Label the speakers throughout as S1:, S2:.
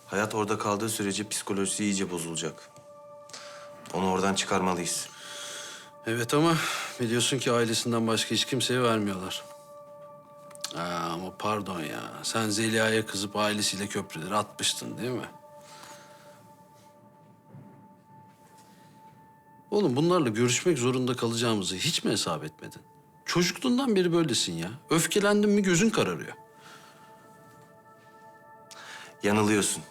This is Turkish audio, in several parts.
S1: Hayat orada kaldığı sürece psikolojisi iyice bozulacak. Onu oradan çıkarmalıyız.
S2: Evet ama biliyorsun ki ailesinden başka hiç kimseye vermiyorlar. Ama pardon ya. Sen Zeliha'ya kızıp ailesiyle köprüleri atmıştın değil mi? Oğlum bunlarla görüşmek zorunda kalacağımızı hiç mi hesap etmedin? Çocukluğundan beri böylesin ya. Öfkelendin mi gözün kararıyor.
S1: Yanılıyorsun.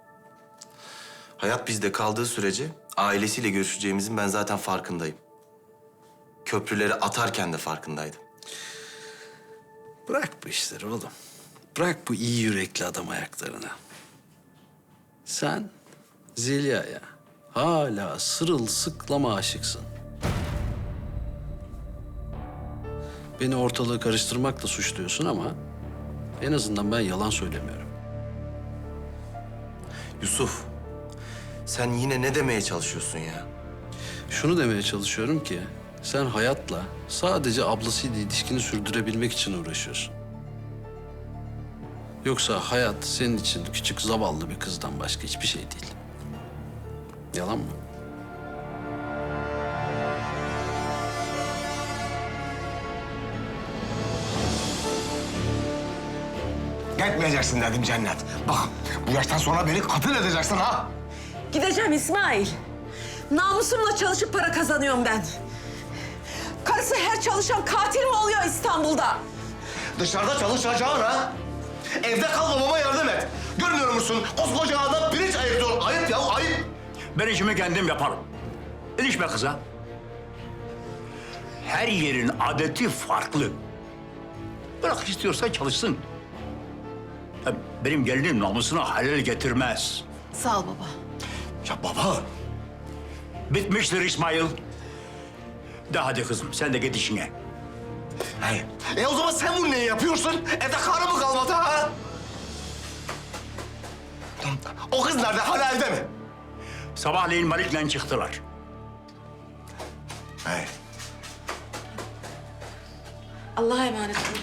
S1: Hayat bizde kaldığı sürece ailesiyle görüşeceğimizin ben zaten farkındayım. Köprüleri atarken de farkındaydım.
S2: Bırak bu işleri oğlum. Bırak bu iyi yürekli adam ayaklarını. Sen Zeliha'ya hala sırılsıklama aşıksın. Beni ortalığı karıştırmakla suçluyorsun ama en azından ben yalan söylemiyorum.
S1: Yusuf, sen yine ne demeye çalışıyorsun ya?
S2: Şunu demeye çalışıyorum ki sen hayatla sadece ablasıyla ilişkini sürdürebilmek için uğraşıyorsun. Yoksa hayat senin için küçük zavallı bir kızdan başka hiçbir şey değil. Yalan mı?
S3: Gitmeyeceksin dedim Cennet. Bak bu yaştan sonra beni katil edeceksin ha.
S4: Gideceğim İsmail. Namusumla çalışıp para kazanıyorum ben. Karısı her çalışan katil mi oluyor İstanbul'da?
S3: Dışarıda çalışacaksın ha. Evde kal babama yardım et. Görmüyor musun? Koskoca adam pirinç ayırtıyor. Ayıp ya ayıp.
S5: Ben işimi kendim yaparım. İlişme kıza. Her yerin adeti farklı. Bırak istiyorsa çalışsın. Hem benim gelinim namusuna halel getirmez.
S4: Sağ ol baba.
S3: Ya baba.
S5: Bitmiştir İsmail. De hadi kızım sen de git işine.
S3: Hayır. O zaman sen bunu niye yapıyorsun? Evde karı mı kalmadı ha? O kız nerede? Hala evde mi?
S5: Sabahleyin Malik'le çıktılar.
S3: Hayır.
S4: Allah'a emanet olun.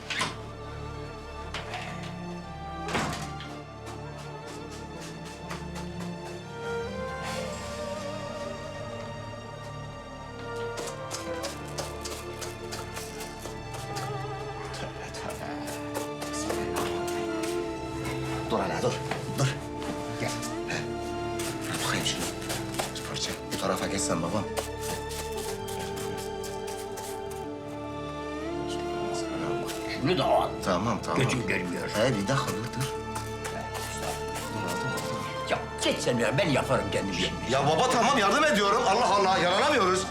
S3: Dur hele dur. Dur. Gel. Ver bakayım şunu. Bir parça. Bu tarafa geçsen babam.
S5: Şunu da al.
S3: Tamam tamam.
S5: Gözüm görmüyor.
S3: Bir dakika dur.
S5: Ya geç sen ya ben yaparım kendim.
S3: Ya baba tamam yardım ediyorum. Allah Allah yaranamıyoruz.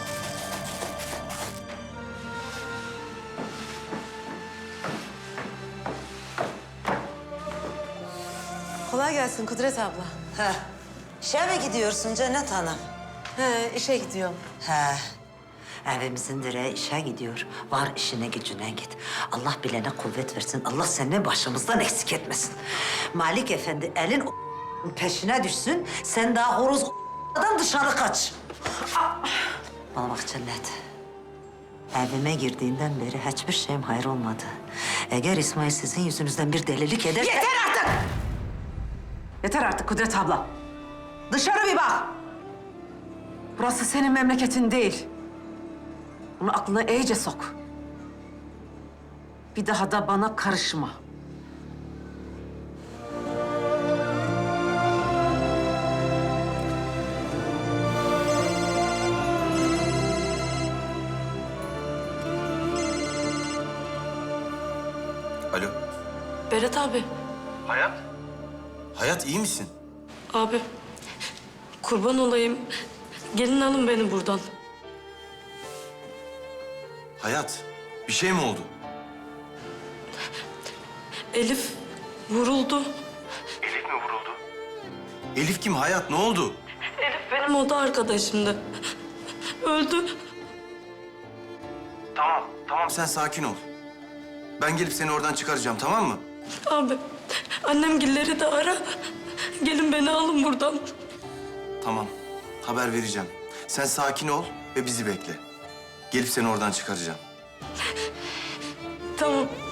S4: Kolay gelsin Kudret abla.
S6: Ha, işe mi gidiyorsun Cennet Hanım?
S4: He, işe gidiyorum.
S6: He, evimizin direği işe gidiyor. Var işine gücüne git. Allah bilene kuvvet versin. Allah seni başımızdan eksik etmesin. Malik Efendi elin peşine düşsün. Sen daha horozdan dışarı kaç. Bana bak Cennet. Evime girdiğinden beri hiçbir şeyim hayır olmadı. Eğer İsmail sizin yüzünüzden bir delilik ederse...
S4: Yeter artık! Yeter artık Kudret abla. Dışarı bir bak. Burası senin memleketin değil. Bunu aklına iyice sok. Bir daha da bana karışma.
S1: Alo.
S7: Berat abi,
S1: Hayat iyi misin?
S7: abi kurban olayım. Gelin alın beni buradan.
S1: Hayat, bir şey mi oldu?
S7: Elif vuruldu.
S1: Elif kim? Hayat ne oldu?
S7: Elif benim oda arkadaşımdı. Öldü.
S1: Tamam sen sakin ol. Ben gelip seni oradan çıkaracağım tamam mı?
S7: Abi annemgilleri de ara. Gelin beni alın buradan.
S1: Tamam. Haber vereceğim. Sen sakin ol ve bizi bekle. Gelip seni oradan çıkaracağım.
S7: Tamam.